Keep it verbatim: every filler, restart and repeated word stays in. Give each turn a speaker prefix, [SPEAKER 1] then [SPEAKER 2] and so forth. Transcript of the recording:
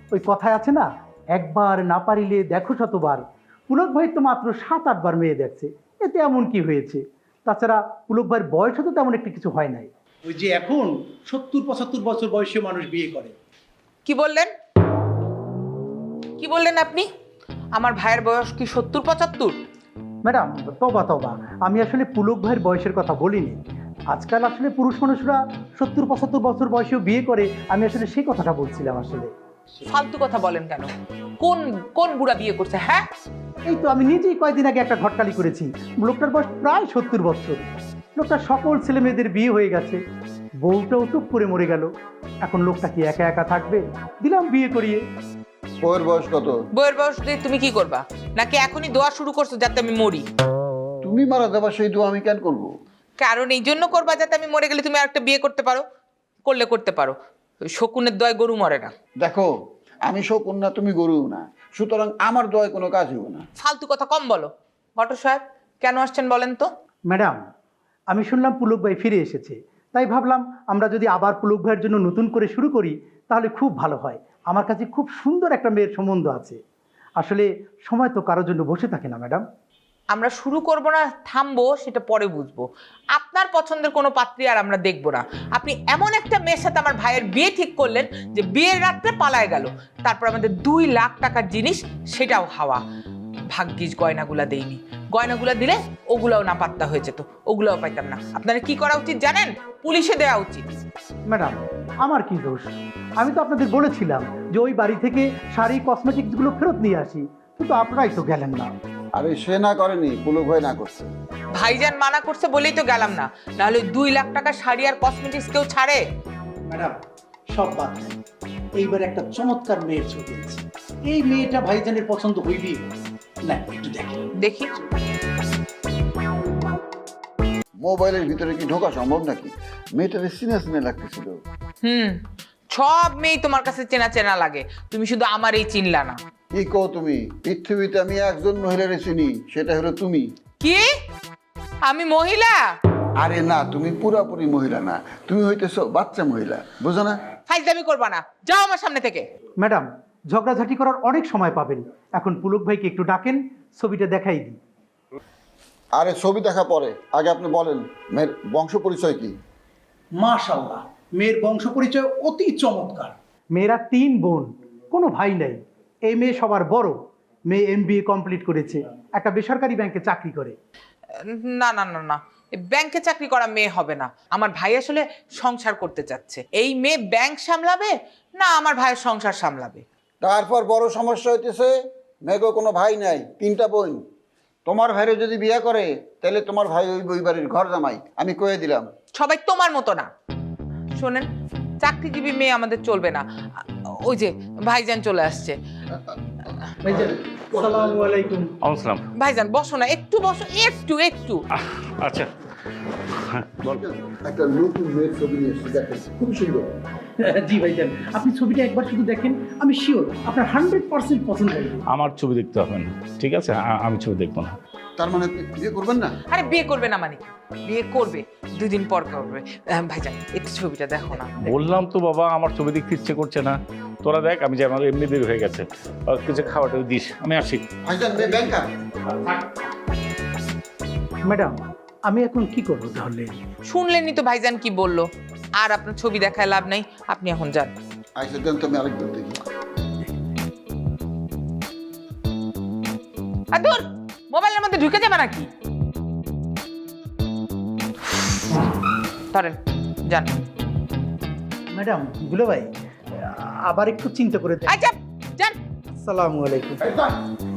[SPEAKER 1] ওই কথায় আছে না, একবার না পারিলে দেখো শতবার। পুলক ভাই তো মাত্র সাত আটবার মেয়ে দেখছে, এতে এমন কি হয়েছে? তাছাড়া পুলক ভাইয়ের বয়সও তো তেমন একটা কিছু হয় নাই। ওই যে এখন সত্তর পঁচাত্তর বছর বয়সী মানুষ বিয়ে করে।
[SPEAKER 2] কি বললেন কি বললেন আপনি? আমার ভাইয়ের বয়স কি সত্তর পঁচাত্তর?
[SPEAKER 1] ম্যাডাম তবা তবা, আমি আসলে পুলক ভাইয়ের বয়সের কথা বলিনি। আজকাল আসলে পুরুষ মানুষরা সত্তর পঁচাত্তর বছর বয়সেও বিয়ে করে, আমি আসলে সেই কথাটা বলছিলাম আসলে।
[SPEAKER 2] ফালতু কথা বলেন কেন? কোন কোন বুড়া বিয়ে করছে? হ্যাঁ,
[SPEAKER 1] এই তো আমি নিজেই কয়েকদিন আগে একটা ঘটকালি করেছি। লোকটার বয়স প্রায় সত্তর বছর। লোকটার সকল ছেলে মেয়েদের বিয়ে হয়ে গেছে, বউটাও টুপ করে মরে গেল। এখন লোকটা কি একা একা থাকবে? দিলাম বিয়ে করিয়ে।
[SPEAKER 3] বউয়ের বয়স কত?
[SPEAKER 2] বইয়ের বয়স দিয়ে তুমি কি করবা? নাকি এখনই দোয়া শুরু করছো যাতে আমি মরি?
[SPEAKER 3] তুমি মারা দেবা সেই দোয়া আমি কেন করবো?
[SPEAKER 2] কারণ এই জন্য করবা যাতে আমি মরে গেলে তুমি আরেকটা বিয়ে করতে পারো। করলে করতে পারো, ওই শকুনের দয় গরু মরে না।
[SPEAKER 3] দেখো, আমি শকুন না, তুমি গরু না, সুতরাং আমার দোয়ায় কোনো কাজ হবে না।
[SPEAKER 2] ফালতু কথা কম বলো। ঘটক সাহেব কেন আসছেন বলেন তো?
[SPEAKER 1] ম্যাডাম, আমি শুনলাম পুলক ভাই ফিরে এসেছে, তাই ভাবলাম আমরা যদি আবার পুলক ভাইয়ের জন্য নতুন করে শুরু করি তাহলে খুব ভালো হয়। আমার কাছে খুব সুন্দর একটা মেয়ের সম্বন্ধ আছে। আসলে সময় তো কারোর জন্য বসে থাকে না ম্যাডাম।
[SPEAKER 2] আমরা শুরু করব না থামবো সেটা পরে বুঝবো। আপনার পছন্দের কোনো পাত্রী আর আমরা দেখবো না। আপনি এমন একটা মেয়ের সাথে আমার ভাইয়ের বিয়ে ঠিক করলেন যে বিয়ের রাত্রে পালায় গেল, তারপর আমাদের দুই লাখ টাকার জিনিস সেটাও হাওয়া। ভাগ্যিস গয়নাগুলা দেইনি, গয়নাগুলা দিলে ওগুলাও না পাত্তা হয়ে যেত, ওগুলাও পাইতাম না। আপনারা কি করা উচিত জানেন? পুলিশে দেওয়া উচিত।
[SPEAKER 1] ম্যাডাম আমার কি দোষ? আমি তো আপনাদের বলেছিলাম যে ওই বাড়ি থেকে শাড়ি কসমেটিক্সগুলো ফেরত নিয়ে আসি, কিন্তু আপনারাই তো গেলেন না।
[SPEAKER 3] আরে সে না করেনি, পুলক ভাই না করছে।
[SPEAKER 2] ভাইজান মানা করছে বলেই তো গেলাম না, নাহলে দুই লাখ টাকা শাড়ি আর কসমেটিক্স কেউ ছাড়ে?
[SPEAKER 1] ম্যাডাম সব বাদ দেন, এইবার একটা চমৎকার মেয়ের ছবি আছে। এই মেয়েটা ভাইজানের পছন্দ হইবেই। না একটু দেখেন।
[SPEAKER 2] দেখি।
[SPEAKER 3] মোবাইলের ভিতরে কি ঢোকা সম্ভব নাকি? মেয়েটারে সিনে সিনে লাগতেছিল।
[SPEAKER 2] হুম, সব মেয়ে তোমার কাছে চেনা চেনা লাগে, তুমি শুধু আমার এই চিনলা না।
[SPEAKER 3] কি কো তুমি? পৃথিবীতে আমি একজন মহিলারে চিনি, সেটা হলো তুমি।
[SPEAKER 2] কি? আমি মহিলা?
[SPEAKER 3] আরে না, তুমি পুরাপুরি মহিলা না, তুমি হইতেছো বাচ্চা মহিলা, বুঝো না?
[SPEAKER 2] ফাইজলামি করবা না, যাও আমার সামনে থেকে।
[SPEAKER 1] ম্যাডাম ঝগড়াঝাটি করার অনেক সময় পাবেন, এখন পুলক ভাইকে একটু ডাকেন, ছবিটা দেখাই দিই।
[SPEAKER 3] আরে ছবি দেখা পরে, আগে আপনি বলেন মেয়ের বংশ পরিচয় কি?
[SPEAKER 1] মাশাআল্লাহ, মেয়ের বংশ পরিচয় অতি চমৎকার। মেয়েরা তিন বোন, কোনো ভাই নাই। এই মেয়ে সবার বড়। মেয়ে এম বি এ কমপ্লিট করেছে, একটা বেসরকারি ব্যাংকে চাকরি করে।
[SPEAKER 2] না না না না, ব্যাংকে চাকরি করা মেয়ে হবে না। আমার ভাই আসলে সংসার করতে চাচ্ছে। এই মেয়ে ব্যাংক সামলাবে না আমার ভাইয়ের সংসার সামলাবে?
[SPEAKER 3] তারপর বড় সমস্যা হইতেছে মেয়েগো কোনো ভাই নাই, তিনটা বোন। তোমার ভাইরে যদি বিয়ে করে তাহলে তোমার ভাই ওই ওই বাড়ির ঘর জামাই, আমি কয়ে দিলাম।
[SPEAKER 2] সবাই তোমার মতো না। শোনেন, চাকরিজীবী মেয়ে আমাদের চলবে না। ওই যে ভাইজান চলে আসছে।
[SPEAKER 1] ভাইজান আসসালামু আলাইকুম।
[SPEAKER 4] আসসালাম।
[SPEAKER 2] ভাইজান বসো না, একটু বসো, একটু একটু।
[SPEAKER 4] আচ্ছা
[SPEAKER 3] একটা নতুন মেয়ের ছবি নিয়ে এসেছি, দেখেন খুব সুন্দর।
[SPEAKER 1] জি ভাইজান, আপনি ছবিটা একবার শুধু দেখেন, আমি শিওর আপনার হান্ড্রেড পার্সেন্ট পছন্দ হবে।
[SPEAKER 4] আমার ছবি দেখতে হবে না, ঠিক আছে? আ- আমি ছবি দেখবো না।
[SPEAKER 3] তার মানে আপনি বিয়ে করবেন না?
[SPEAKER 2] আরে বিয়ে করবে না মানে কি? বিয়ে করবে, দুই দিন পর করবে। আহ, ভাইজান একটু ছবিটা দেখো না।
[SPEAKER 4] বললাম তো বাবা, আমার ছবি দেখতে ইচ্ছে করছে না। তোরা দেখ, আমি যে আমার এমনি দেরি হয়ে গেছে, আর কিছু খাওয়াটা দিস, আমি আসি।
[SPEAKER 3] ভাইজান মেয়ে ব্যাংকার।
[SPEAKER 1] ম্যাডাম আমি এখন কি করবো তাহলে?
[SPEAKER 2] শুনলেনই তো ভাইজান কি বললো। আর আপনার ছবি দেখায় লাভ নাই, আপনি এখন যান।
[SPEAKER 3] আচ্ছা দেন তো, আমি আরেকবার দেখি।
[SPEAKER 2] আর দূর, মোবাইলের মধ্যে ঢুকে যাবে নাকি? ধরেন, যান।
[SPEAKER 1] ম্যাডাম দুলা ভাই আবার একটু চিন্তা করে দেখ।
[SPEAKER 2] আচ্ছা যান।
[SPEAKER 1] আসসালামু আলাইকুম।